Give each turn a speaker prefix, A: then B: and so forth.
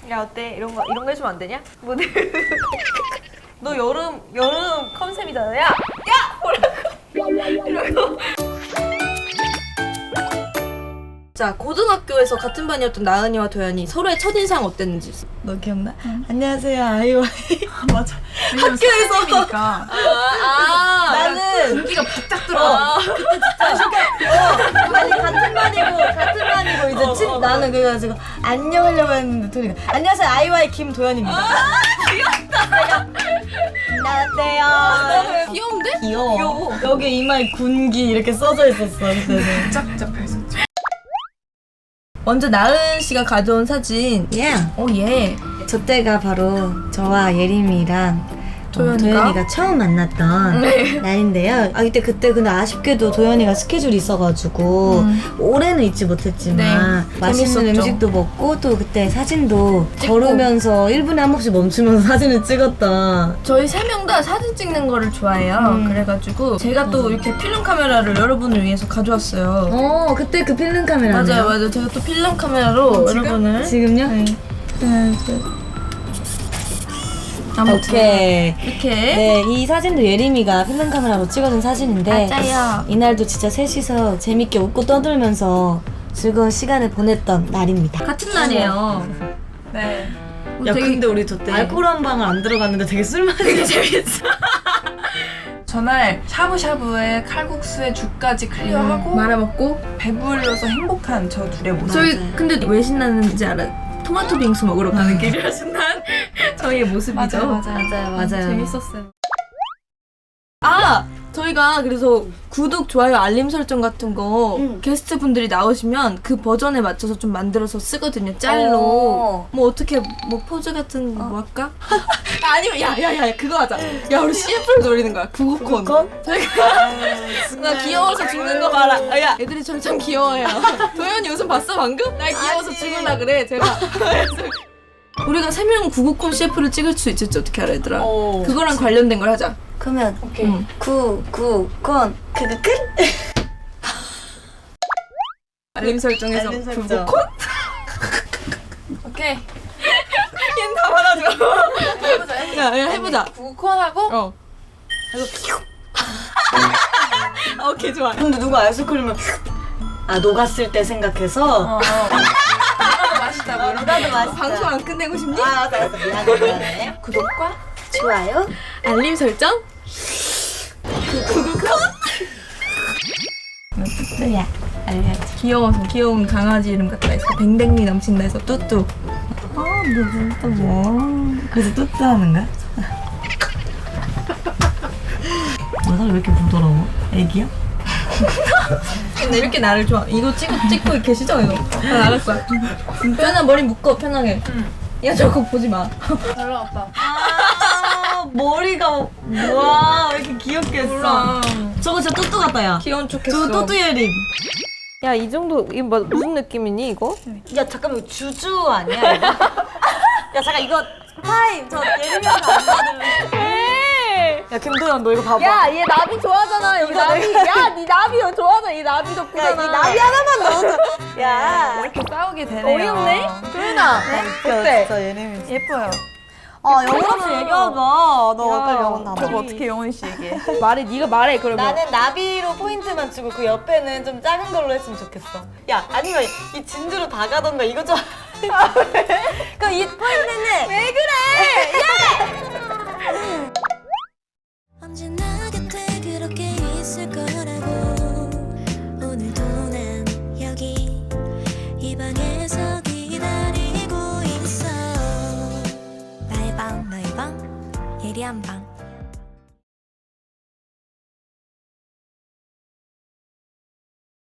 A: 야 어때? 이런 거 해주면 안 되냐? 모델. 너 여름 컨셉이잖아. 야 뭐라고? 이러고. 자, 고등학교에서 같은 반이었던 나은이와 도연이 서로의 첫인상 어땠는지.
B: 너 기억나? 안녕하세요, 아이와이.
C: 맞아.
B: 학교에서 나는
C: 공기가 바짝 들어.
B: 그때 진짜 아니 같은 반이고 이제 나는 그래가지고 안녕 하려고 했는데 도리가 안녕하세요, 아이와이 김도연입니다. 귀엽다. 안녕하세요.
A: 귀여운데?
B: 귀여워. 여기 이마에 군기 이렇게 써져 있었어 그때는.
C: 짝짝 했었죠.
B: 먼저 나은 씨가 가져온 사진. 예.
D: 저 때가 바로 저와 예림이랑
B: 도연이가
D: 처음 만났던 날인데요. 그때 근데 아쉽게도 도연이가 스케줄이 있어가지고 올해는 있지 못했지만 맛있는
B: 재밌었죠.
D: 음식도 먹고 또 그때 사진도 걸으면서 1분에 한 번씩 멈추면서 사진을 찍었던.
B: 저희 3명 다 사진 찍는 거를 좋아해요. 그래가지고 제가 또 이렇게 필름 카메라를 여러분을 위해서 가져왔어요.
D: 그때 그 필름 카메라네요.
B: 맞아요. 제가 또 필름 카메라로 여러분을.
D: 지금요?
B: 네. 아무튼
D: 오케이.
B: 이렇게.
D: 네, 이 사진도 예림이가 필름 카메라로 찍어준 사진인데
B: 맞아요.
D: 이날도 진짜 셋이서 재밌게 웃고 떠들면서 즐거운 시간을 보냈던 날입니다.
B: 같은 날이에요.
C: 네.
D: 야,
B: 되게
D: 근데 우리 저때 알코올 한 방울 안 들어갔는데 되게 술맛이 재밌어.
C: 전날 샤브샤브에 칼국수에 죽까지 클리어하고
B: 말아먹고.
C: 배불러서 행복한 저 둘의 모습.
B: 저희 근데 왜 신나는지 알아? 토마토 빙수 먹으러 가는 길이라 신난 저희의 모습이죠.
C: 맞아요.
B: 재밌었어요. 저희가 그래서 구독, 좋아요, 알림 설정 같은 거 게스트 분들이 나오시면 그 버전에 맞춰서 좀 만들어서 쓰거든요. 짤로. 뭐 어떻게 뭐 포즈 같은 거 뭐 할까? 아니면 야 그거 하자. 야 우리 CF를 노리는 거야. 구구콘. 저희가 나 귀여워서 죽는 거 봐라. 야 애들이 저를 참 귀여워해요. 도현이 웃음 봤어 방금? 날 귀여워서 죽을라 그래 제가. 우리가 3명 구구콘 CF를 찍을 수 있을지 어떻게 알아 얘들아? 그거랑 관련된 걸 하자.
D: 그러면 구구콘 크크크.
B: 알림 설정에서
D: 알림 설정.
B: 구구콘?
C: 오케이.
B: 얘는 다 받아줘. 야 해보자.
C: 구콘하고
B: 오케이 좋아.
D: 근데 누가 아이스크림을 녹았을 때 생각해서
C: 나도 맛있다고.
D: 나도 맛있다.
B: 방송 안 끝내고 싶니?
D: 알았어. 미안해.
C: 구독과
D: 좋아요.
B: 알림 설정?
D: 뚜뚜야. 알려줘.
B: 귀여워서 귀여운 강아지 이름 같다 해서 뱅뱅미 넘친다 해서 뚜뚜.
D: 무슨 또 뭐. 그래서 뚜뚜 하는 거야? 너가 왜 이렇게 부드러워? 애기야?
B: 근데 이렇게 나를 좋아. 이거 찍고 계시죠 이거? 나 나갈 거야. 편하 머리 묶어 편하게. 야 저거 보지 마.
C: 잘 나왔다.
D: 머리가 와, 왜 이렇게 귀엽게 했어?
B: 몰라.
D: 저거 진짜 뚜뚜 같다, 야.
B: 귀여운 척했어.
D: 저거 뚜뚜 예림.
A: 야 이 정도 이거 무슨 느낌이니 이거?
D: 야, 잠깐만, 이거 주주 아니야, 이거? 야, 잠깐, 이거 타임. 저 예림이한테 안 받을래.
A: 왜?
D: 야, 김도연, 너 이거 봐봐.
A: 야 얘 나비 좋아하잖아 여기 나비. 야니 나비 좋아하잖아 이 나비 덕분이잖아.
D: 이 나비 하나만 넣어줘. 야.
C: 이렇게 싸우게 되네요.
A: 어이없네? 도윤아 어때?
D: 저 예림이.
C: 예뻐요.
D: 영혼 없이 얘기하자. 너 빨리 영혼 나와.
C: 저거 어떻게 영원 씨 얘기해?
A: 말해 네가 말해 그러면.
D: 나는 나비로 포인트만 주고 그 옆에는 좀 작은 걸로 했으면 좋겠어. 야, 아니면 이 진주로 다 가던가 이거 좀. 그럼 이 포인트는 왜
E: 언제나 곁에 그렇게 있을 거라고. 오늘도 난 여기 이 방에서 기다리고 있어. 나의 방 너의 방 예리한 방